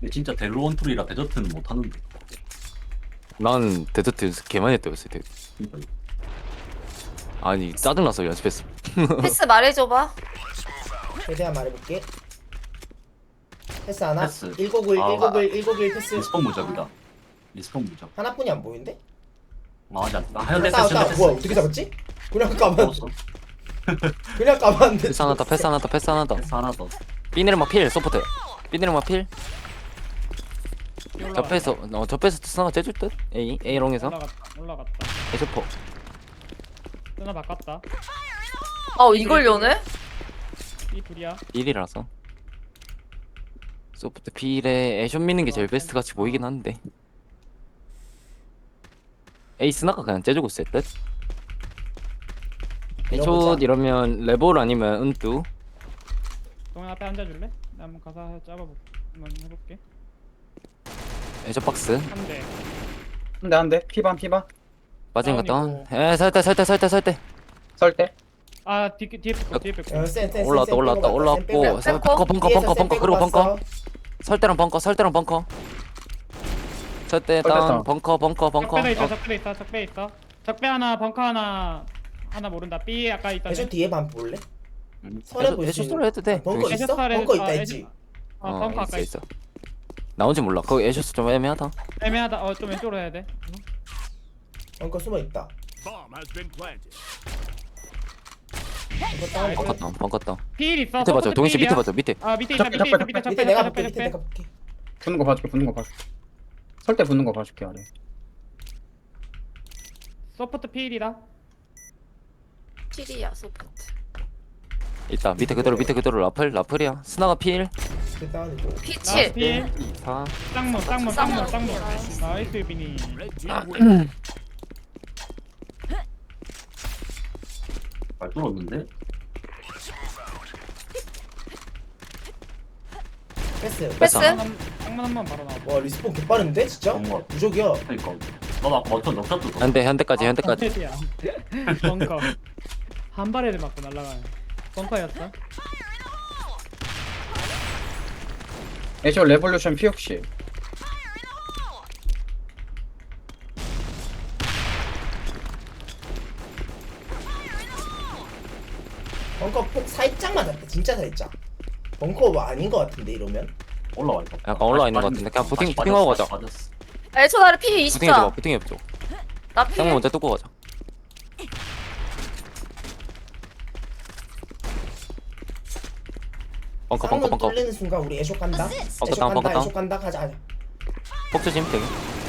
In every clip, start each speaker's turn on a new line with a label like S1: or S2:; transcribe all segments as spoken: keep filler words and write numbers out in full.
S1: 근데 진짜 델로원툴이라 데저트는 못하는데.
S2: 난 데저트 연습 개 많이 했다 요새 되게.
S1: 그러니까
S2: 아니 짜증나서 연습했어.
S3: 패스 말해줘봐.
S4: 최대한 말해볼게. 패스 하나?
S1: 패스.
S4: 일곱일
S1: 아,
S4: 일곱일 일곱일 패스
S1: 리스폰 무적이다. 리스폰 무적.
S4: 하나뿐이 안 보이는데?
S1: 맞아. 아, 하얀
S4: 따,
S1: 패스,
S4: 따,
S1: 하얀 패스.
S4: 뭐야 어떻게 잡았지? 그냥 까만
S1: 잡았어.
S4: 그냥 까만데
S2: 패스 하나 더 패스 하나 더 패스 하나 더.
S1: 패스 하나 더.
S2: 삐네르마 필 소프트. 삐네르마 필. 접해서 어 접해서 스나가 째줄 듯. A A롱에서
S5: 올라갔다 올라갔다
S2: 에쇼포.
S5: 쓰나 바꿨다
S3: 아 이걸 연해?
S5: 이 둘이야
S2: 일이라서. 소프트 필에 애쇼 미는 게 제일 베스트 같이 보이긴 한데. A 스나가 그냥 째주고 있을 듯. 애쇼
S4: 밀어보자.
S2: 이러면 레볼 아니면 은뚜.
S5: 동현 앞에 앉아줄래? 나 한번 가서 잡아볼게 한번 해볼게
S2: 애쇼 박스.
S5: 한대
S6: 한대 한대 피반 피반
S2: 빠진 것
S5: 다운이고.
S2: 다운. 에 설대 설대 설대 설대.
S6: 설대
S5: 아 뒤, 뒤에 뺏고 뒤에 뺏고
S4: 어, 센, 센,
S2: 올라왔다
S4: 센,
S2: 올라왔다
S4: 센 빼고
S2: 올라왔고
S4: 봤다,
S2: 서-
S4: 센
S3: 빼고.
S2: 벙커 벙커
S4: 뒤에서
S2: 벙커
S4: 센
S2: 벙커
S4: 빼고
S2: 그리고 벙커
S4: 봤어.
S2: 설대랑 벙커 설대랑 벙커 설대
S6: 설대
S2: 다운
S6: 다운.
S2: 벙커 벙커 벙커
S5: 적배도 있어
S2: 어,
S5: 적배도 있어 적배 있어 적배 하나 벙커 하나 하나 모른다 B 아까 있던
S4: 애쇼
S5: 애.
S4: 뒤에 반 볼래?
S1: 음.
S4: 설에
S2: 애쇼-
S4: 볼수
S2: 애쇼
S4: 있는
S2: 스토리 해도 돼.
S4: 벙커
S2: 중심.
S4: 있어?
S5: 애쇼
S4: 벙커 있다
S5: 아,
S4: 했지?
S5: 애쇼- 어
S2: 어
S5: 벙커
S2: 있어
S5: 아까
S2: 있어 나온지 몰라 거기 애쇼스 좀 애매하다.
S5: 애매하다 어 좀 왼쪽으로 해야 돼
S4: 벙커 숨어있다
S7: Bomb has been planted.
S4: 벙커 다운이고
S2: 벙커 다운 벙커 다운
S5: 필 있어
S2: 밑에 봐줘
S5: 서포트
S2: 동희 씨 밑에
S5: 필이야.
S2: 봐줘 밑에
S5: 아 밑에 있다
S6: 적배,
S5: 밑에 있어
S6: 적배,
S5: 밑에 적배
S4: 밑에 내가
S5: 적배
S4: 볼게 밑에
S5: 적배
S4: 내가 볼게
S6: 붙는 거 봐줄게 붙는 거 봐줄게 설대 붙는 거 봐줄게 아래
S5: 서포트 필이다
S3: 필이야 소프트.
S2: 있다 밑에 그대로 밑에 그대로 라플 라플이야 스나가 필
S4: 밑에 다운이고
S5: 나
S3: 피칠.
S5: 필
S2: 사
S5: 쌍문 쌍문 쌍문 쌍문
S3: 쌍문.
S5: 나이스 비니
S7: Red team wins.
S1: 잘 뚫었는데?
S4: 패스
S3: 패스.
S5: 쌍문 쌍문 한번 바로 나와
S4: 와 리스폰 개빠른데 진짜?
S1: 정말.
S4: 무적이야
S1: 그러니까. 너도 아까 어떤 넉샷도 더.
S2: 현대 현대까지 현대까지
S5: 야 벙커 한 발에를 맞고 날아가네 벙커였어?
S6: 애쇼 레볼루션 피 혹시
S4: 벙커 폭 살짝 맞았다 진짜 살짝 벙커 뭐 아닌 거 같은데 이러면?
S1: 올라와 있다.
S2: 약간 올라와 있는 것 같은데 그냥 부팅 부팅하고 가자.
S1: 빠졌어.
S3: 애초 나를 피
S2: 부팅해줘봐
S3: 이십사.
S2: 부팅해줘.
S3: 나 피.
S2: 쌍문 먼저 뚫고 가자. 벙커 벙커
S4: 쌍문
S2: 벙커
S4: 뚫리는 순간 우리 애쇼 간다 애쇼
S2: 벙커 다운,
S4: 간다
S2: 벙커 다운.
S4: 애쇼 간다 가자 가자
S2: 폭조심 되게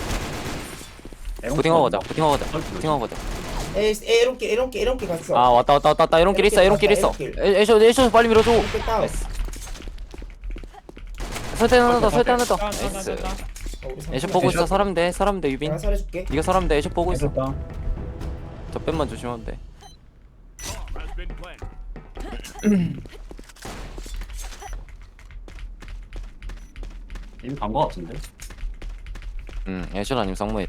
S1: 에롱
S2: 부팅하고 가자
S1: 뚫었나?
S2: 부팅하고 가자
S1: 설득.
S2: 부팅하고 가자.
S4: 에이 에이롱길 에이롱길 에이롱길 갔어
S2: 아 왔다 왔다 왔다 왔다 에롱길 있어 에롱길 있어.
S4: 에롱길.
S2: 에- 애쇼 애쇼 빨리 밀어줘.
S4: 에이롱길 다운
S2: 나이스. 설대 하나 더 설대 하나 더.
S5: 아, 나, 나, 나,
S2: 나이스.
S5: 나.
S4: 어, 우리
S2: 애쇼
S4: 삼촌.
S2: 보고 있어
S6: 애쇼.
S2: 사람대 사람대 유빈.
S4: 내가 살해줄게
S2: 네가 사람대 애쇼 보고 있어.
S6: 애쇼 다운
S2: 저 뺀만 조심하면 돼.
S7: Bomb has been planted.
S1: 이미 간거 같은데?
S2: 응 애쇼 아니면 쌍무일.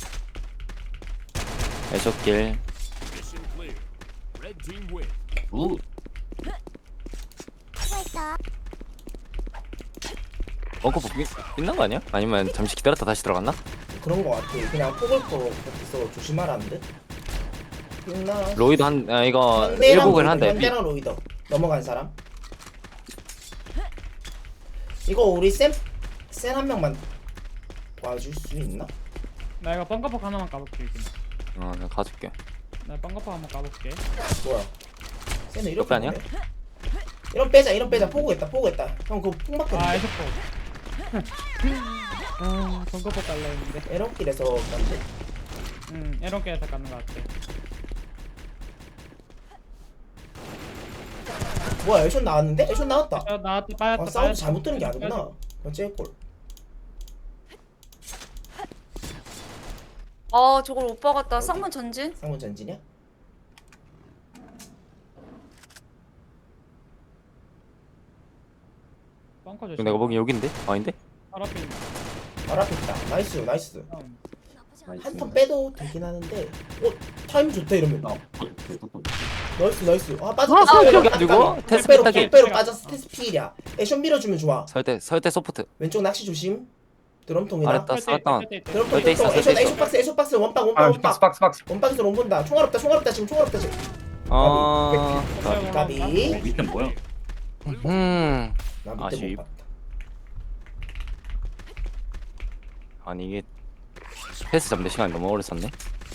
S2: 애쇼길.
S7: Mission clear. Red team wins.
S1: 우.
S2: 벙커 복귀 끝난 거 아니야? 아니면 잠시 기다렸다 다시 들어갔나?
S4: 그런 거 같아 그냥 폭을 거 같아서 조심하라는 듯 있나?
S2: 로이드 한 아, 이거
S4: 현대랑
S2: 일복을
S4: 로이더,
S2: 한대.
S4: 현대랑 로이더 넘어간 사람 이거 우리 쌤쌤 한 명만 와줄 수 있나?
S5: 나 이거 벙커폭 하나만 까볼게 이제.
S2: 어 내가 가줄게.
S5: 나 벙커폭 한번 까볼게
S4: 뭐야 쌤은 이렇게
S2: 옆에 아니야?
S4: 보네? 이런 빼자 이런 빼자 포구했다 포구했다 형 그거 폭
S5: 아
S4: 맞겠는데?
S5: 에쇼폭 아 벙커폭 깔라 했는데
S4: 에런길에서 간대
S5: 응 에런게에서 까는 거 같아
S4: 뭐야 애션 나왔는데? 애션 나왔다
S5: 어, 나왔다
S4: 아
S5: 빠졌다
S4: 사운드
S5: 빠졌다.
S4: 잘못 뜨는 게 아니구나 어째골
S3: 아 저걸 못 박았다. 쌍문 전진.
S4: 상문 전진이야?
S5: 벙커
S2: 이거
S5: 조심
S2: 내가 보기엔 여긴데? 아닌데?
S5: 바로 앞에 있네
S4: 바로 앞에 있다 나이스 나이스
S5: 다운.
S4: 한 턴 빼도 되긴 하는데 어? 타임 좋다 이러면
S1: 나. 어, 어, 어, 어.
S4: 나이스 나이스. 아 빠졌다.
S2: 아,
S4: 아,
S2: 여기 가지고 테스트
S4: 적배로
S2: 삐딱이.
S4: 적배로 빠졌어. 테스트 필이야. 애션 밀어주면 좋아.
S2: 설대 설대 소프트.
S4: 왼쪽 낚시 조심. 드럼통이나.
S2: 알았다. 쌌다.
S4: 드럼통
S2: 설대 있어,
S4: 드럼통.
S2: 설대
S4: 애션
S2: 있어.
S4: 애션 박스 애션 박스 원박 원박
S6: 아
S4: 원박.
S6: 박스 박스 박스.
S4: 원박에서 롱 본다. 총알 없다 총알 없다 지금 총알 없다 지금.
S2: 아.
S4: 까비.
S1: 어, 밑에 뭐야?
S2: 음.
S4: 나 밑에
S2: 아쉽.
S4: 못 봤다.
S2: 아니 이게 패스 잡는 시간이 너무 오래 썼네.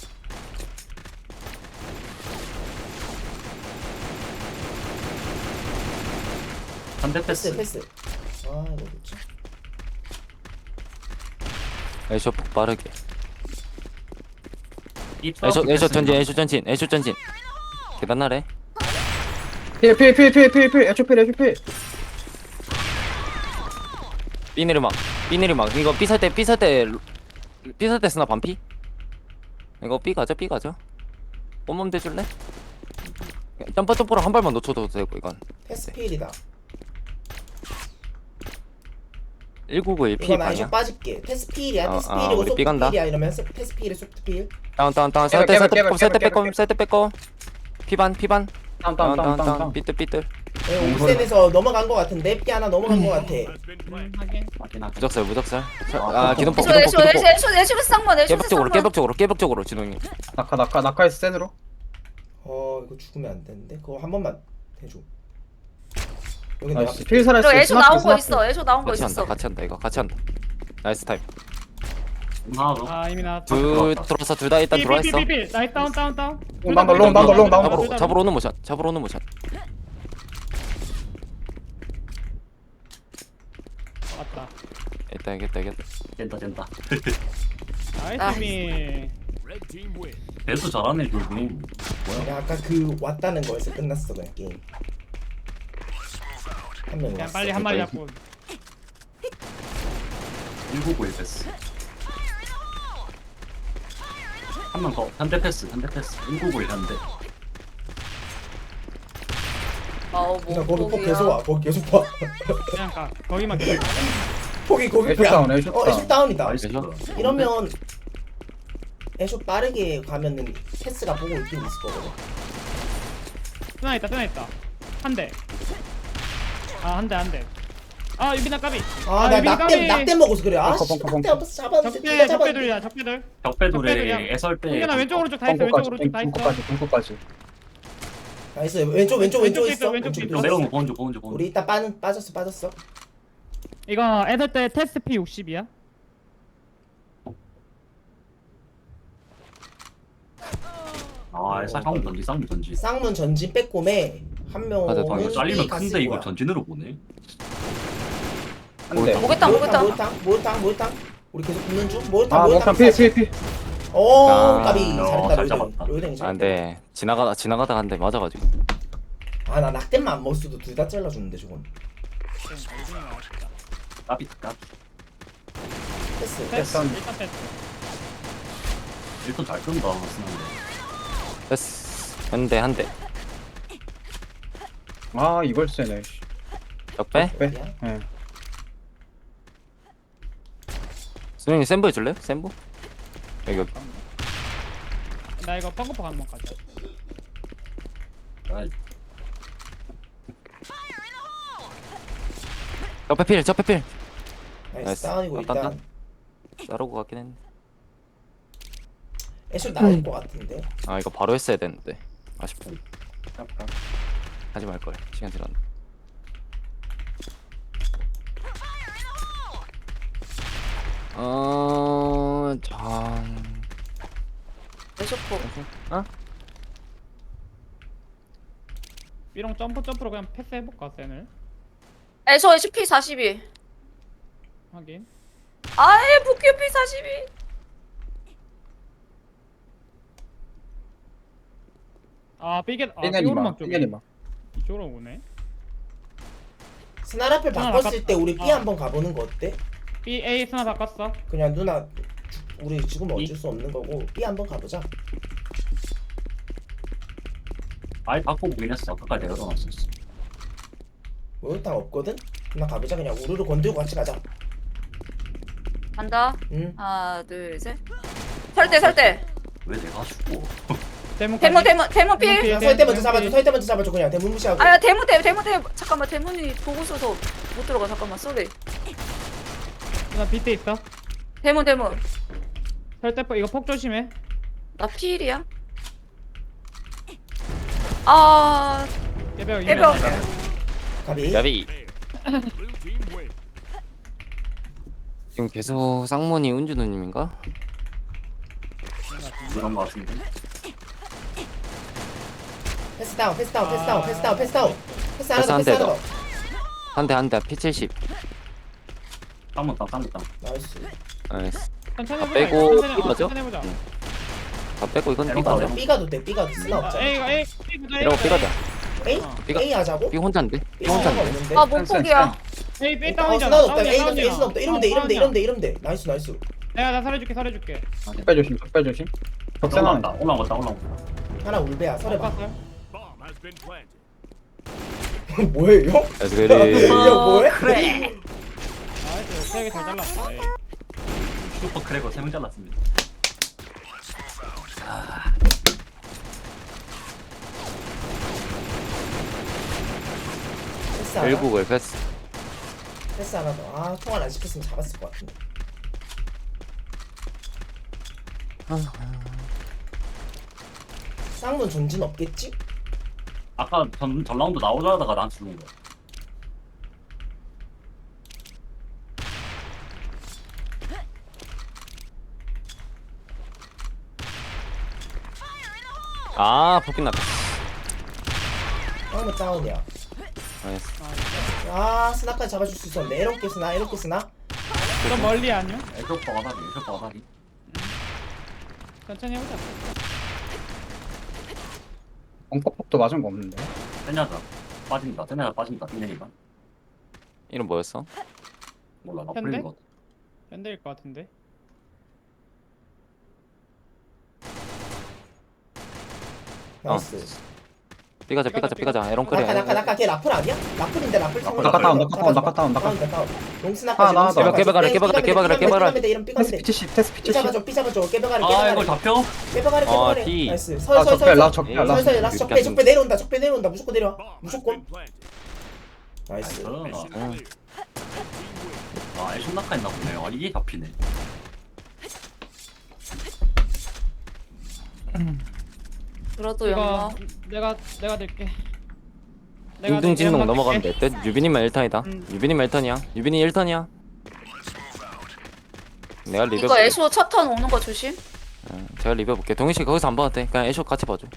S1: 한대
S4: 패스
S1: 패스.
S4: 패스. 아 이거 좋지.
S2: 애쇼 폭 빠르게.
S1: 입
S2: 애쇼
S1: 사업기
S2: 애쇼
S1: 패스.
S2: 전진 애쇼 전진 애쇼 전진. 계단 아래.
S6: 필필필필필필 에초필 에초필.
S2: 삐 내리막 삐 내리막 이거 삐 살 때 삐 살 때 삐 살 때 쓰나 반피? 이거 삐 가져 삐 가져. 온몸 대줄래? 점퍼 점퍼로 한 발만 놓쳐도 되고 이건.
S4: 패스 필이다.
S2: 일구구일 피
S4: 이거 나 애션
S2: 반이야.
S4: 빠질게. 패스 필이야.
S2: 어,
S4: 패스
S2: 어,
S4: 필이고
S2: 우리
S4: 소프트
S2: 삐 간다.
S4: 필이야 이러면서 패스 필에 소프트 필.
S2: 다운 다운 다운
S6: 깨봐,
S2: 살때
S6: 깨봐,
S2: 살때
S6: 깨봐,
S2: 빼꼼 살때
S6: 깨봐,
S2: 빼꼼
S6: 깨봐.
S2: 살때 빼꼼 피반 피반
S6: 다운
S2: 다운
S6: 다운
S2: 다운
S6: 다운
S2: 다운
S6: 다운.
S2: 삐뚤 삐뚤
S4: 네, 옥센에서 넘어간 거 같은데 삐 하나 넘어간 거 같아.
S7: Has been planted.
S5: 하긴.
S1: 맞긴 하지.
S2: 무적살 무적살.
S1: 아,
S2: 아 기둥폭
S3: 애쇼
S2: 기둥폭
S3: 애쇼 애쇼
S2: 기둥폭.
S3: 애쇼 애쇼 쌍문 애쇼
S2: 깨벽 쪽으로
S3: 쌍문.
S2: 깨벽 쪽으로 깨벽 쪽으로 진동이.
S6: 낙하 낙하 낙하에서 센으로.
S4: 어 이거 죽으면 안 되는데 그거 한 번만 해줘. 여기 내가
S6: 나이스. 필 살았어.
S3: 그리고 애쇼 나온 거 있어 애쇼 나온 거
S2: 같이 한다
S3: 있었어.
S2: 같이 한다 이거 같이 한다. 나이스 타임.
S1: 하나 더.
S5: 아 이미 나왔다.
S2: 둘 들어왔어 둘 다 일단 들어와 있어.
S5: 삐삐삐삐. 나이스 다운 다운 다운.
S6: 롱 나온다, 롱 나온다, 롱 나온다.
S2: 잡으러 잡으러 오는 모션 잡으러 오는 모션.
S5: 맞다.
S2: 있다 이겼다 이겼다.
S1: 된다 된다.
S5: 나이스 미.
S7: Red team win.
S1: 배수 잘하네 둘이. 뭐야?
S4: 야, 아까 그 왔다는 거에서 끝났어 그냥 게임. 한 명
S5: 그냥
S4: 왔어.
S5: 빨리 한 마리 잡고.
S1: 일구구일 패스. 한 명 더. 한대 패스. 한대 패스. 일구구일 한대.
S3: 아우
S4: 그냥
S3: 뭐
S4: 거기 폭 계속 와. 거기 계속 와.
S5: 그냥 가. 거기만 기다려.
S4: 폭이 거기
S6: 애쇼
S4: 뭐야?
S6: 다운, 애쇼
S4: 어
S6: 다운.
S4: 애쇼 다운이다.
S1: 나이스.
S4: 이러면 애쇼 빠르게 가면은 패스가 보고 있긴 있을 거거든.
S5: 쓰나 있다 쓰나 있다. 한 대. 아 한 대 한 대. 아 유빈아 까비.
S4: 아나
S5: 유빈아
S4: 낙댐 낙댐 먹어서 그래. 아
S6: 벙커,
S4: 씨,
S6: 벙커,
S4: 낙댐 앞에서 잡았는데
S5: 적배
S4: 네가
S5: 적배들이야
S4: 잡았는데.
S5: 적배들.
S1: 적배돌에
S5: 적배들이야.
S1: 애설대.
S5: 홍현아 왼쪽 오른쪽 다 있어 왼쪽
S6: 벙커까지
S5: 오른쪽 다 있어.
S6: 벙커까지 벙커까지.
S4: 나이스 왼쪽 왼쪽 왼쪽
S5: 왼쪽에
S4: 있어.
S5: 있어, 왼쪽에
S4: 왼쪽
S5: 있어.
S1: 내려오는
S4: 있어.
S1: 거 보는 중 보는 중 보는
S4: 우리
S1: 중.
S4: 이따 빠는 빠졌어 빠졌어.
S5: 이거 애들 때 테스트 피 육십이야.
S1: 아, 애살 쌍문 던지 쌍문 던지.
S4: 쌍문 전진 빼꼼에 한 명은
S2: 맞아, 방금
S1: 이거 잘리면
S4: B 갔을
S1: 큰데 이거
S4: 거야.
S1: 전진으로 보네.
S6: 한 대.
S3: 목욕탕 목욕탕.
S4: 목욕탕 목욕탕 목욕탕 우리 계속 붙는 중 목욕탕
S6: 아
S4: 목욕탕
S6: 목탄 필필 필.
S4: 오
S2: 아,
S4: 까비
S1: 야,
S4: 잘했다
S1: 잘
S4: 로이댕
S1: 잡았다.
S4: 로이댕이
S2: 아
S4: 잘했다.
S2: 근데 지나가다 지나가다 한 대 맞아가지고.
S4: 아나 낙댐만 안 먹었어도 둘 다 잘라주는데 저건.
S1: 까비 까비.
S4: 패스
S5: 테스트
S6: 일단-
S5: 일단 테스트.
S1: 일단 잘 끈다 쓰는데.
S2: 됐어. 한대 한 대.
S6: 아 이걸 쓰네. 씨.
S2: 적배?
S6: 빼. 예.
S2: 수영이 센부 해줄래? 센부? 여기 여기.
S5: 나 이거 펑크포 한번 가자.
S1: 아이,
S2: 적배 필 적배 필.
S4: 나이스
S2: 나이스.
S4: 다운이고
S2: 딴, 딴.
S4: 일단
S2: 자르고 가긴 했는데.
S4: 애쇼 나올 것 같은데.
S2: 아 이거 바로 했어야 되는데. 아쉽다.
S1: 깜깜.
S2: 하지 말걸. 시간 지났네. 어... 참...
S3: 애쇼포.
S2: 어?
S5: 삐롱 점프 점프로 그냥 패스 해볼까 쌤을.
S3: 애쇼 애쇼 피 사십이.
S5: 확인.
S3: 아예 부큐 피 사십이.
S5: 아 삐게 아
S6: 삐내리마.
S5: 삐오르막 쪽에
S6: 삐내리마.
S5: 이쪽으로 오네.
S4: 스나라펠
S5: 하나
S4: 바꿨을
S5: 바꿨다.
S4: 때 우리 B
S5: 어.
S4: 한번 가보는 거 어때?
S5: B A 스나 바꿨어.
S4: 그냥 누나 우리 지금 어쩔 수 없는 거고 B 한번 가보자.
S1: 아예 바꿔보긴 했어. 아까까지 내가 넣어놨었어.
S4: 목욕탕 없거든? 누나 가보자 그냥 우르르 건들고 같이 가자.
S3: 간다.
S4: 응.
S3: 하나 둘 셋. 설대 설대.
S1: 왜 내가 죽고?
S5: 대문
S3: 대문 대문 대문
S5: 대문
S3: 필.
S5: 필.
S4: 야, 설때 먼저 잡아줘. 설때 먼저 잡아줘. 그냥 대문 무시하고.
S3: 아야 대문 대 대문 대 잠깐만 대문이 보고 있어서 못 들어가 잠깐만 쏘리.
S5: 나 밑에 있어.
S3: 대문 대문.
S5: 설대포 이거 폭 조심해.
S3: 나 필이야. 아
S5: 예병
S3: 예병.
S4: 가비.
S2: 야비.
S7: Blue team win.
S2: 지금 계속 쌍문이 은준우님인가?
S1: 그런 거 같은데.
S4: 패스 다운. 패스 다운. 패스 다운. 패스 다운. 패스 다운. 패스 하나
S2: 패스
S4: 더.
S2: 한
S4: 패스
S2: 대
S4: 하나
S2: 더.
S4: 더.
S2: 한 대 한 대 피 칠십.
S1: 쌍문 땅 쌍문 땅.
S4: 나이스.
S2: 나이스.
S5: 천천히
S2: 다
S5: 해보자.
S2: 빼고
S5: 이거. 천천히, 어,
S2: 이거죠?
S5: 천천히 해보자.
S2: 응. 다 빼고 이건
S1: 에롱
S2: 삐 가자.
S1: 가자.
S4: B가도 돼. B가도 쓰나
S5: 아,
S4: 없잖아.
S5: A가 A B 보자.
S2: 이러고 삐 가자.
S4: A?
S5: 어.
S2: B가-
S4: A 하자고?
S2: 삐 혼자인데? 삐
S4: B 상관
S2: 혼자인데?
S4: 없는데.
S3: 아 몸폭이야.
S5: A B
S4: 어,
S5: 다운이잖아.
S4: 쓰나 없다.
S5: 다운이야,
S4: A가
S5: 다운이야.
S4: A 쓰나 없다. 이러면 돼. 이러면 돼. 이러면 돼. 이러면 돼. 나이스 나이스.
S5: 내가 나 살려줄게 살려줄게.
S6: 적배 조심, 적배 조심. 적세나.
S1: 올라온다. 올라온다. 올라온다.
S4: 하나 울베야. 설에 봐.
S5: 바꿨어.
S7: Bomb has been planted.
S4: 뭐예요?
S2: 그래서 그래.
S4: 야 뭐해?
S5: 나이스. 세게 잘 잘랐어. 에이.
S1: 슈퍼 크래커 세 명 잘랐습니다.
S4: 패스 하나.
S2: 결국을 패스.
S4: 패스 하나 더. 아 통화 안 시켰으면 잡았을 것 같은데. 쌍문 존진 없겠지?
S1: 아까 전, 전 라운드 나오자다가 나한테 죽은 거야.
S2: 아 복귀 났다.
S4: 쌍문 다운이야.
S2: 나이스.
S4: 아 스나까지 잡아줄 수 있었는데 에런게 스나 에런게 스나.
S5: 좀 멀리 아니요?
S1: 에쇼퍼 가다리. 에쇼퍼 가다리.
S5: 천천히 해보자.
S6: 엉퍼폭도 맞은 거 없는데.
S1: 세냐자 빠진다. 세냐자 빠진다. 빈내니까.
S2: 이름 뭐였어?
S1: 몰라. 나
S5: 현대?
S1: 풀린 거 같아.
S5: 현대일 것 같은데.
S4: 나이스.
S2: 삐 가자 삐 가자 삐 가자. 에롱 크래.
S4: 나카 나카 나카 걔 라플 아니야? 라플인데 라플 상문
S6: 나카 다운, 나카 다운, 나카 다운, 나카
S4: 다운 다운. 용스나까지.
S6: 하나, 하나,
S2: 하나. 깨박아라, 깨박아라, 깨박아라, 깨박아라.
S4: 이런
S6: 테스
S4: 삐건데.
S6: 피치십, 테스
S4: 삐
S6: 피치십.
S4: 잡아줘 삐 잡아줘 깨박아라
S1: 아
S4: 깨박아라.
S1: 이걸 잡혀?
S4: 깨박아라
S2: 아,
S4: 깨박아라.
S2: D.
S4: 나이스.
S6: 아,
S4: 설설
S6: 적배, 라
S4: 설.
S6: 적배,
S2: 에이,
S6: 라.
S4: 설설 라스 적배 적배 내려온다 적배 내려온다 무조건 내려와.
S7: Bomb has
S4: 무조건.
S7: been planted.
S4: 나이스.
S7: Mission
S2: 어.
S7: clear.
S1: 아 에쇼 낙하 있나 보네. 아 이게 잡히네.
S3: 그래도
S5: 이거
S3: 영화.
S5: 내가 내가 될게. 내가
S2: 둥둥진동
S5: 내가
S2: 넘어가면
S5: 될게.
S2: 될 듯. 유빈이만 일 턴이다.
S5: 음.
S2: 유빈이만 일 턴이야. 유빈이 일 턴이야. 내가 리뷰
S3: 이거
S2: 볼게.
S3: 애쇼 첫 턴 오는 거 조심.
S2: 응, 제가 리뷰 볼게. 동희 씨 거기서 안 봐도 돼. 그냥 애쇼 같이 봐줘.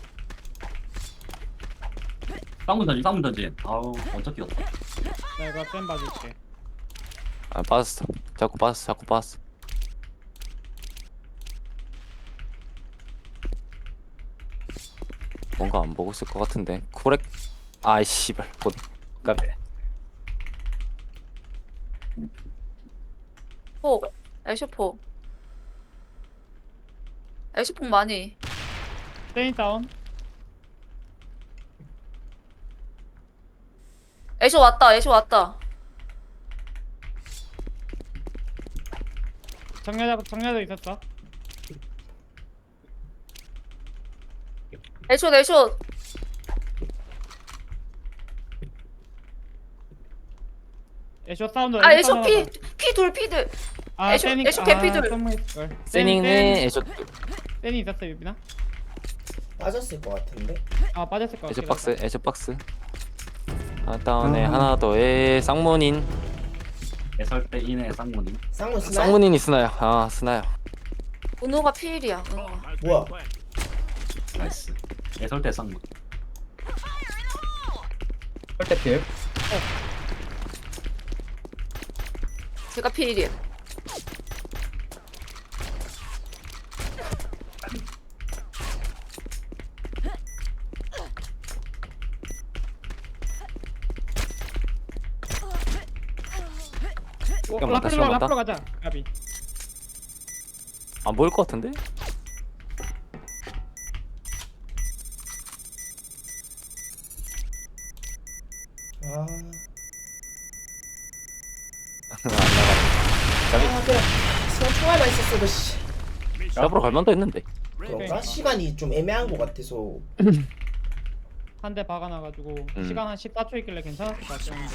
S1: 쌍문 던지 쌍문 던지. 아우 언제 뛰었다.
S5: 내가 쌤 봐줄게.
S2: 아 빠졌어. 자꾸 빠졌어. 자꾸 빠졌어. 뭔가 안 보고 있을 것 같은데. 코렉. 아이 씨발. 곧. 까비.
S3: 폭. 애쇼 폭. 애쇼 폭 많이.
S5: 세인 다운.
S3: 애쇼 왔다. 애쇼 왔다.
S5: 정렬자 정렬자 있었어.
S3: 애쇼 애쇼.
S5: 애쇼 사운드.
S3: 아 애쇼 피 피돌 피들.
S5: 아,
S3: 애쇼-
S5: 세닝-
S3: 애쇼
S5: 아,
S3: 개피들.
S5: 선물했을.
S2: 세닝네 애쇼.
S5: 세닝 있었어 유빈아?
S4: 빠졌을 것 같은데.
S5: 아 빠졌을 것
S2: 애쇼
S5: 같긴
S2: 박스.
S5: 하다.
S2: 애쇼 박스. 하나 다운에
S6: 음.
S2: 하나 더에 쌍문인.
S1: 애설 때 인의 쌍문이.
S4: 쌍문 스나.
S2: 쌍문인이 스나야. 아 스나야.
S3: 은호가 필이야. 은호가.
S7: Bomb has
S4: 뭐야?
S7: been planted.
S1: 나이스. 애설 때 쌍문.
S6: 설대 필.
S3: 제가 필이야.
S5: 어,
S2: 시간 많다,
S5: 라프로
S2: 시간 많다.
S5: 라프로 가자. 가비.
S2: 안 보일 것 같은데?
S4: 아.
S2: 안 나가.
S4: 아 그래. 스나 총알만 있었어도 씨.
S2: 잡으러 갈 만도 했는데.
S4: 그런가? 시간이 좀 애매한 것 같아서.
S5: 한 대 박아놔가지고
S2: 음.
S5: 시간 한 십사 초 있길래 괜찮았을 것 같았는데.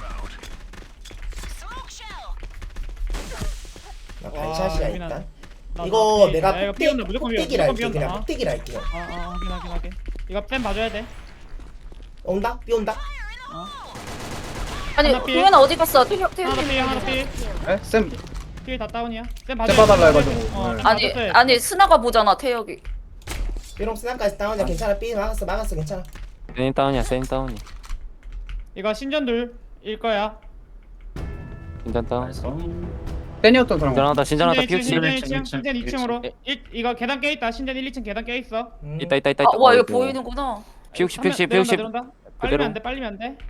S4: 나
S5: 와,
S4: 반샷이야
S5: 유빈아.
S4: 일단.
S5: 나-
S4: 이거
S5: 나 비-
S4: 내가
S5: 야, 이거
S4: 폭대,
S5: 비온다, 무조건 비온다,
S4: 폭대기라 할게.
S5: 무조건
S4: 그냥
S5: 비온다.
S4: 폭대기라 할게. 그냥.
S5: 아, 아, 확인, 확인, 확인. 이거 쌤 봐줘야 돼.
S4: 온다? 비 온다?
S5: 어.
S3: 아니
S5: 하나 삐.
S3: 동현아 어디 갔어? 태형
S5: 하나 더 삐, 하나 더 삐.
S6: 에? 쌤
S5: 삐 다 다운이야. 쌤
S6: 쌤
S5: 봐줘야
S6: 봐달라
S5: 돼.
S6: 해가지고.
S5: 어,
S6: 네.
S5: 쌤
S3: 아니
S5: 봐줬어야지.
S3: 아니 스나가 보잖아 태혁이.
S4: 삐롱 스나까지 다운이야. 괜찮아. 삐 막았어. 막았어. 괜찮아.
S2: 세인 다운이야 세인 다운이.
S5: 이거 신전둘일 거야.
S2: 신전 다운.
S1: 그래서
S6: 땐이었던 사람.
S2: 신전하다 신전하다
S5: 신전
S2: 피우치.
S5: 신전
S1: 일
S5: 일
S1: 층,
S5: 층,
S1: 일 층,
S5: 신전 이 층으로.
S2: 일
S5: 일, 이거 계단 깨 있다. 신전 일, 이 층 계단 깨 있어.
S4: 음.
S2: 있다 있다 있다.
S3: 아, 와 이거
S2: 어이구.
S3: 보이는구나.
S2: 피우치
S5: 한 명
S2: 피우치
S5: 내려온다,
S2: 피우치
S5: 내려온다.
S2: 그대로.
S5: 빨리면 안 돼. 빨리면 안 돼.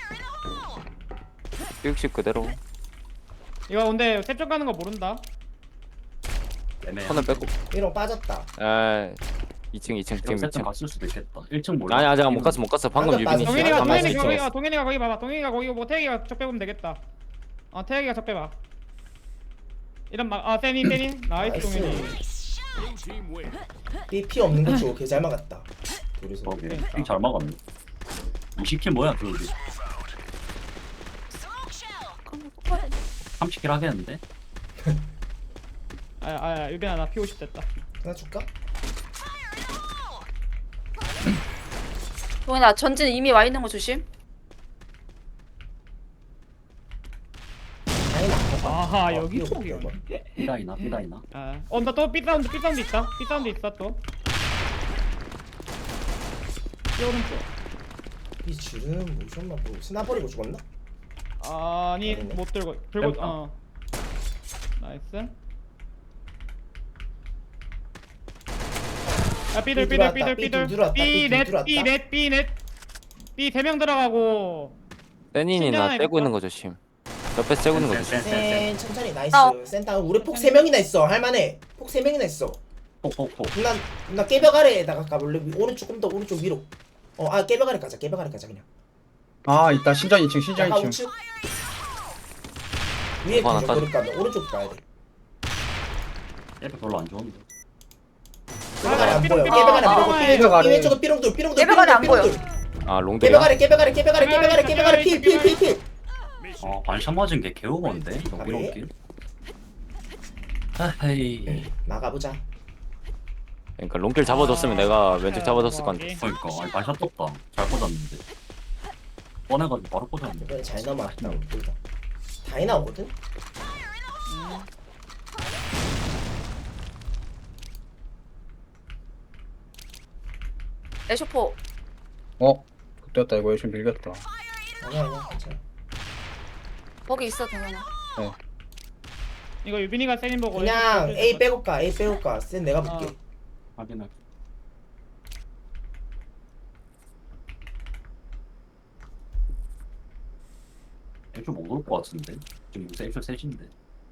S2: 피우치 그대로.
S5: 이거 근데 셉쪽 가는 거 모른다.
S1: 애매해.
S2: 손을 빼고.
S4: 삐롱 빠졌다.
S2: 에 이 층 이 층 지금 이
S1: 세트
S2: 층.
S1: 갔을 수도 있겠다. 일 층 몰라.
S2: 아니 아직 못 갔어 못 갔어. 방금
S4: 방금
S2: 유빈이
S4: 빠졌어.
S5: 동현이가
S4: 가만히
S5: 동현이
S2: 있어.
S5: 거기가 동현이가 거기 봐봐. 동현이가 거기 뭐 태기가 적 빼보면 되겠다. 어 태기가 적 빼봐. 이런 막아 세니 세니 나이스
S4: 나이스.
S5: 동현이.
S7: Blue team wins.
S4: 삐 피 없는 거 주고 개잘 막았다. 둘이서.
S1: 거기
S5: 그러니까.
S1: 잘 막았네. 이십 킬 뭐야 그러지? 삼십 킬 하겠는데?
S5: 아아 유빈아 나 피 오십 됐다.
S4: 하나 줄까?
S3: 동현아 전진 이미 와 있는 거 조심.
S4: 아니
S5: 아하
S4: 어,
S5: 여기
S4: 이거
S5: 속이야.
S4: 이거.
S1: 삐다이나 삐다이나.
S5: 아, 어, 나 또 삐사운드, 삐사운드 있다. 삐사운드 있어, 또. 삐 오른쪽.
S4: 이 줄은 모션만 보고 스나 버리고 죽었나?
S5: 아니,
S4: 아니네.
S5: 못 들고, 들고,
S1: 램프.
S5: 어. 나이스. 야, 삐들,
S4: 삐
S5: 삐들,
S4: 들어왔다,
S5: 삐들,
S4: 삐
S5: 삐들.
S4: 들어왔다, 삐
S5: 삐넷,
S4: 들어왔다.
S5: 삐넷, 삐넷. 삐 세 명 들어가고.
S2: 세닌이 나
S5: 신전하니까.
S2: 떼고 있는 거 조심. 옆에 떼고 있는 거 조심.
S1: 센, 센, 센,
S4: 센 천천히 나이스.
S3: 아.
S4: 센터 우리 폭 세 명이나 있어. 할만해. 폭 세 명이나 있어.
S1: 폭폭폭.
S4: 누나 누나 깨벽 아래에다가 가볼래? 위- 오른쪽 좀 더 오른쪽 위로. 어아 깨벽 아래 가자. 깨벽 아래 가자 그냥.
S6: 아 있다 신전 이 층 신전
S4: 약간
S6: 이 층.
S4: 우측. 위에
S2: 어, 하나
S4: 가자. 그러니까 오른쪽 가야 돼.
S1: 애들 별로 안 좋은데.
S4: 깨벽 아래 안
S5: 삐롱,
S4: 보여.
S5: 삐롱,
S4: 깨벽 아래 안
S5: 삐롱,
S4: 보고
S5: 삐롱,
S4: 삐 왼쪽
S6: 아래.
S4: 삐 왼쪽은 삐롱돌 삐롱돌
S3: 깨벽 아래 안
S4: 삐롱돌,
S3: 보여.
S4: 삐롱돌.
S2: 아
S4: 깨벽
S2: 롱들이야.
S4: 아래 깨벽 아래 깨벽 아래 깨벽 아래 깨벽 아래 필필필필.
S1: 어 반샷 맞은 게 개우건데 이거
S4: 아,
S1: 이런
S4: 그래?
S1: 길. 아이.
S4: 나가보자.
S2: 그러니까 롱길 잡아줬으면 내가 왼쪽 잡아줬을 건데.
S1: 그러니까 아니 반샷 떴다. 잘 꽂았는데. 뻔해가지고 바로 꽂았는데.
S4: 이번에 잘 넘어왔다. 우리 둘 다. 다이 나오거든.
S3: 에쇼포.
S6: 어 그때였다 이거 열심히 밀렸다.
S4: 아니야 아니야 괜찮아.
S3: 거기 있어 동현아.
S5: 이거 유빈이가 세닌 보고.
S4: 그냥
S5: 왼쪽
S4: A 빼고 가 A 빼고 가. 센 내가 볼게.
S5: 어.
S1: 확인할. 애초 못올 것 같은데. 지금 요새 애초 셋인데.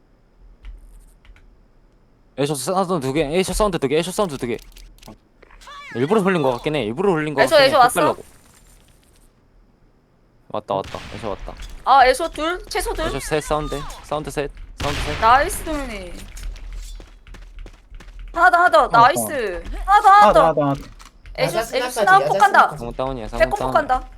S2: 에이쇼 사운드 두 개, 에이쇼 사운드 두 개, 에이쇼 사운드 두 개. 일부러 흘린 거 같긴 해. 일부러 흘린 거
S3: 에이쇼,
S2: 같긴 해.
S3: 에이쇼 왔어?
S2: 헛배려고. 왔다 왔다. 에이쇼 왔다.
S3: 아 에쇼 둘 최소 둘.
S2: 에이쇼 셋 사운드. 사운드 셋. 사운드 셋.
S3: 나이스 동현이. 하나 더 하나 더
S6: 더.
S3: 나이스. 하나 더 하나
S6: 하나 더
S3: 더.
S6: 하나 더 하나 더.
S3: 에쇼
S4: 야자
S3: 에쇼
S4: 스나까지,
S3: 스나
S4: 야자
S3: 폭 간다.
S4: 스나까지.
S2: 상호 다운이야. 상호
S3: 백호 폭
S2: 다운.
S3: 간다.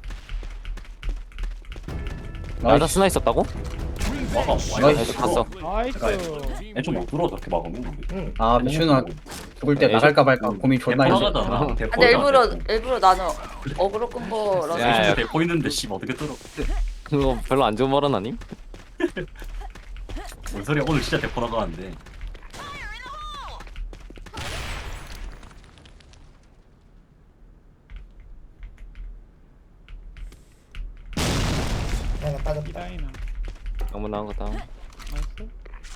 S2: 나다
S6: 나이스.
S2: 스나 있었다고?
S1: 막아.
S2: 에이쇼 갔어.
S5: 나이스.
S1: 애초 못 들어 저렇게 막으면.
S4: 응.
S6: 아 미슈는 죽을 때
S2: 에이쇼-
S6: 나갈까 말까 고민 존나 했어.
S1: 대포나가잖아.
S3: 근데 일부러 일부러 나는 어그로 끈 거라서.
S2: 야, 야.
S1: 애초 대포 있는데 씨 어떻게 들어?
S2: 그거 별로 안 좋은 말은 아님?
S1: 뭔 소리야? 오늘 진짜 대포 나가는데.
S4: 하나 빠졌다.
S5: 이다이나.
S2: 너무 나은 거 다운.
S5: 나이스.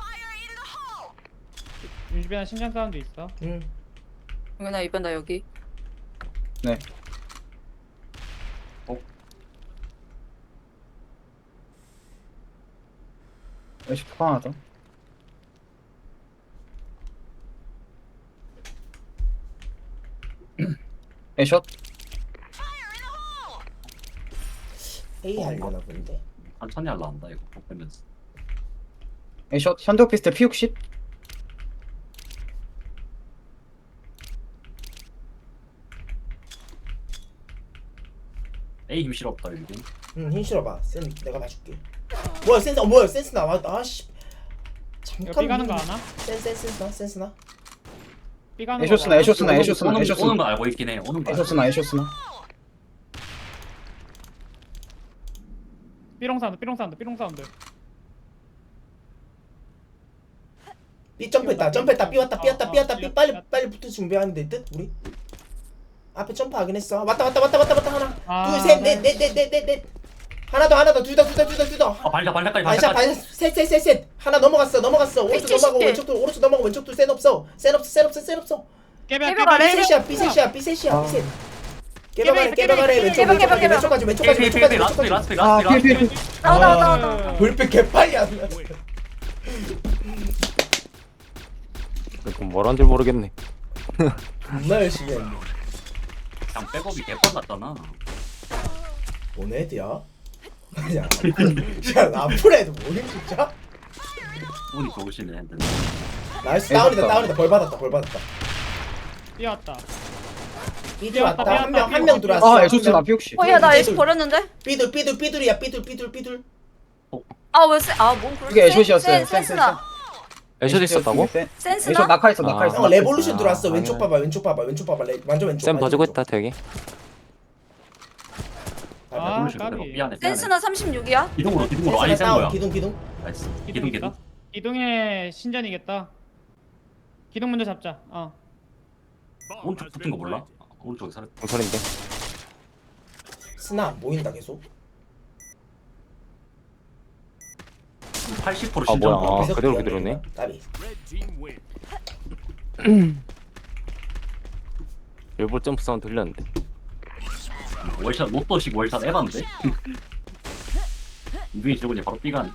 S5: 유빈아 신전 사운드 있어.
S4: 응.
S3: 동현아 이번 나 여기.
S6: 네. 에이쇼 폭 하나 더. 에이쇼
S4: A 하려나 본데.
S1: 천천히 할라 한다 이거 못 빼면서.
S6: 에이쇼 현대 오피스텔 피 육십.
S1: A 힘 실없다 일긴.
S4: 응, 힘 실어봐. 센 내가 봐줄게. 뭐야 센스? 어 뭐야 센스 나와? 아씨.
S5: 이거
S4: 잠깐.
S5: B 가는 거 아나?
S4: 센 센스나 센스나.
S5: B 가는 거
S6: 에쇼스나
S5: 봐.
S6: 에쇼스나
S1: 오는,
S6: 에쇼스나
S1: 오는, 오는
S6: 에쇼스나
S1: 거 알고 있긴 해. 오는 거. 알고
S6: 에쇼스나 에쇼스나
S5: 삐롱 사운드 삐롱 사운드 삐롱 사운드
S4: B 점프했다. 점프했다. B 왔다. B 왔다. B 왔다.
S5: 어,
S4: B
S5: 어,
S4: 빨리
S5: 어.
S4: 빨리 붙을 준비하는데 뜻 우리. 앞에 점프하긴 했어. 왔다 왔다 왔다 왔다 왔다 하나.
S5: 아,
S4: 둘, 셋,
S5: 네.
S4: 넷, 넷, 넷, 넷, 넷. 하나 더, 하나 더, 둘 더, 둘 더, 둘 더, 둘 더.
S1: 아 발자 발자까지
S4: 반샷,
S1: 발자까지.
S4: 반샷, 셋, 셋, 셋, 셋. 하나 넘어갔어, 넘어갔어. 오른쪽
S3: 칠십
S4: 넘어가고
S3: 개.
S4: 왼쪽 둘, 오른쪽 넘어가고 왼쪽 둘, 센 없어, 센 없어, 센 없어, 센 없어.
S5: 깨벽
S3: 깨벽 아래.
S4: B 셋이야, B 셋이야, B 셋이야, B 셋. 깨박아래,
S5: 깨벽,
S4: 깨박아래,
S5: 깨벽,
S4: 왼쪽,
S3: 깨벽,
S4: 왼쪽까지,
S3: 깨벽,
S4: 왼쪽까지, 왼쪽까지,
S1: 피해 피해
S4: 왼쪽까지,
S1: 피해 라스트
S4: 왼쪽까지.
S1: 라스트
S6: 아
S1: 라스트
S6: 피해
S1: 라스트.
S6: 피해 피해
S3: 나와 나와 나와 나와.
S4: 불빛 개빨리 안 나.
S2: 이거 뭘한 줄 모르겠네.
S4: 존나 열심히 했네.
S1: 그냥 백업이 개뻔 같잖아.
S4: 뭔 애드야? 야, 야, 라프레도 뭐임 진짜?
S1: 운이 좋으시네. 근데.
S4: 나이스, 다운이다, 다운이다. 벌 받았다, 벌 받았다.
S5: B 왔다
S4: B
S5: 삐 왔다,
S4: 들어왔다.
S5: 삐
S4: 한 명,
S5: 왔다,
S4: 한
S5: 삐
S4: 명
S5: 왔다.
S4: 들어왔어.
S6: 아 에쇼스나 피옥시
S3: 어, 야, 나 애쉬 버렸는데?
S4: 삐둘, 삐둘, 삐둘이야. 삐둘, 삐둘, 삐둘.
S3: 아, 왜 센, 아, 뭔 그런
S6: 이게 애쇼시였어요.
S3: 센, 센스나.
S2: 에쇼 있었다고?
S6: 에쇼
S3: 센스나?
S6: 낙하했어 낙하했어
S4: 형 레볼루션
S2: 아,
S4: 들어왔어. 왼쪽
S2: 아,
S4: 봐봐, 왼쪽 봐봐, 왼쪽 봐봐. 레, 완전 왼쪽.
S2: 쌤
S4: 완전
S2: 봐주고
S4: 왼쪽.
S2: 있다 되게.
S4: 아,
S5: 아,
S1: 레볼루션
S5: 까비.
S1: 그대로. 미안해 미안해.
S3: 센스나 삼십육이야?
S1: 기둥으로 기둥으로
S4: 센스나
S1: 아니 센
S4: 다운.
S1: 거야.
S4: 기둥, 기둥.
S1: 나이스.
S5: 기둥
S1: 기둥 기둥.
S5: 있다 기둥에 신전이겠다 기둥 먼저 잡자 어
S7: Bomb
S1: 오른쪽
S7: has
S1: 붙은
S7: been
S1: 거 몰라?
S7: planted.
S1: 아, 오른쪽에 살았.
S2: 공설인데.
S4: 스나 안 보인다 계속.
S1: 팔십 퍼센트
S2: 아,
S1: 신전.
S2: 뭐야. 아,
S4: 계속
S2: 그대로
S4: 미안해,
S2: 그대로네.
S4: 그냥. 까비.
S7: Red team win.
S2: 일부 점프 사운드 들렸는데.
S1: 월샷 로또식 월샷 에반데. 이분이 저번에 바로 삐간.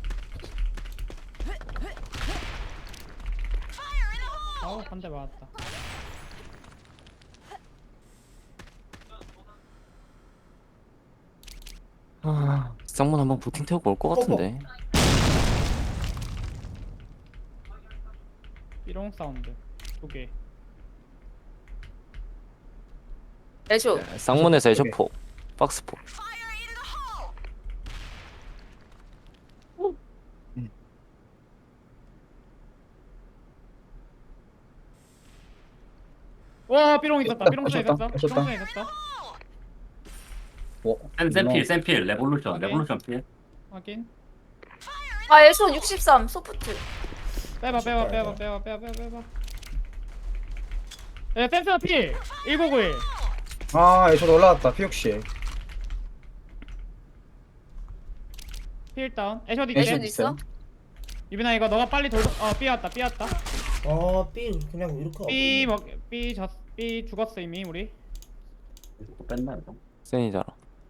S5: 아우 한 대 맞았다
S2: 아, 쌍문 한번 부팅 태우고 올 것 같은데.
S5: 삐롱 사운드 두개
S3: 애쇼.
S2: 쌍문에서 에쇼포, 박스포.
S5: 와 삐롱 있었다 삐롱 사
S6: 애쇼다,
S5: 있었어
S6: 애쇼다.
S5: 삐롱 사 있었어
S1: 센 센필 센필 레볼루션 레볼루션 필.
S5: 확인
S3: 아, 애쇼 육십삼, 소프트.
S5: 빼봐 빼봐 빼봐 빼봐 빼봐 빼봐 빼봐 야 센스나 P 천구백구십일
S6: 아 에쇼도 올라왔다 피옥시
S5: 필 다운 애쇼
S6: 애쇼
S3: 애쇼
S5: 디케
S3: 있어?
S5: 유빈아 이거 너가 빨리 돌고 어 B 왔다 B 왔다
S4: 어, 삐 그냥 이렇게 하고
S5: B
S4: 있네.
S5: 먹 B 졌 B 죽었어 이미 우리
S1: 또 뺐나 이거?
S2: 센이잖아.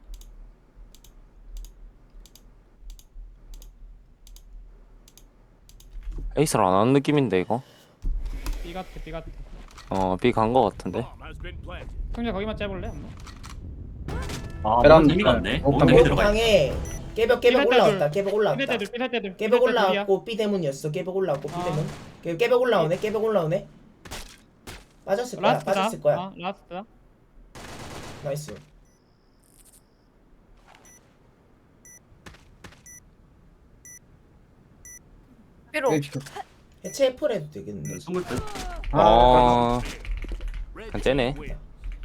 S2: 에이스를 안 하는 느낌인데 이거.
S5: B 같아 B 같아
S2: 어, B 간 거 같은데.
S7: Bomb has been planted.
S5: 형제 거기만 째볼래? 한번?
S1: 아
S6: 베란다.
S1: 뭔 재미가 안 돼.
S6: 어,
S1: 뭔 재미 들어가.
S4: 목탕에 깨벽 깨벽
S5: 삐살
S4: 올라왔다.
S5: 때들.
S4: 깨벽
S5: 삐살
S4: 올라왔다.
S5: 때들 삐살 때들
S4: 깨벽
S5: 삐살 때들이야.
S4: 올라왔고 B 대문이었어. 깨벽 올라왔고 B
S5: 아.
S4: 대문. 깨- 깨벽 올라오네. 깨벽 올라오네. 빠졌을 거야.
S5: 라스트다
S4: 빠졌을 거야.
S5: 어, 라스트다
S4: 나이스.
S3: 삐롱.
S4: 해체 F를 해도 되겠는데.
S1: 숨을 듯.
S2: 어,
S7: Red
S2: 안
S7: team
S2: 째네.
S7: win.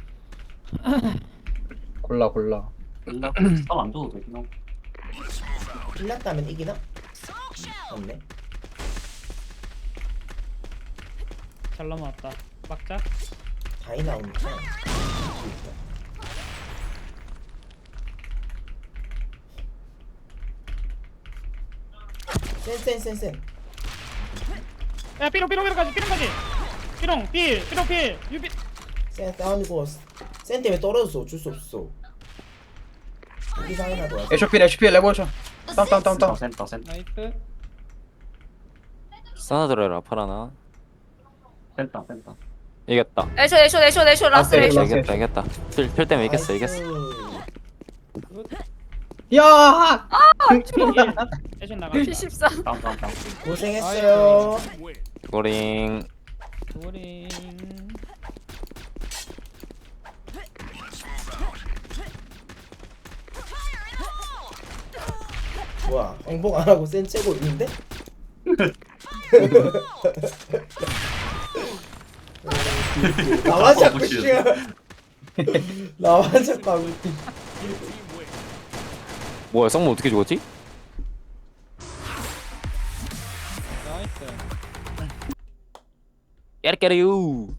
S6: 골라 골라
S1: 땀안 줘도 되긴 하고.
S4: 빌렸다면 이기나? 없네.
S5: 잘 넘어왔다 막자
S4: 다이 나오니까. 센센센센.
S5: 야 삐롱 삐롱 삐롱까지 삐롱까지 삐롱 필 삐롱 필 유빈
S4: 센 다운이고 센 때문에 떨어졌어. 어쩔 수 없어. 여기 상이나 도와.
S6: 에쇼필 에쇼필 레볼루션 다운 다운 다운 다운
S1: 센터 센터
S5: 나이스
S2: 싸나 들어라 파라나.
S1: 센터 센터.
S2: 이겼다.
S3: 애쇼, 애쇼, 애쇼, 애쇼, 라스트
S6: 아,
S3: 애쇼.
S6: 라스트.
S2: 이겼다, 이겼다. 필, 필 때문에 이겼어, 이겼어.
S6: 야
S5: 애션 나갔다
S3: 칠십삼.
S1: 다운 다운 다운.
S4: 고생했어요.
S7: Red team win.
S2: 고링.
S5: 도링
S4: 뭐야 행복 안 하고 센 째고 있는데? 나만 자꾸 씨야. 나만 자꾸 하고 있지.
S2: 뭐야 쌍문 어떻게 죽었지?
S5: 나이스.
S2: 깨르깨르유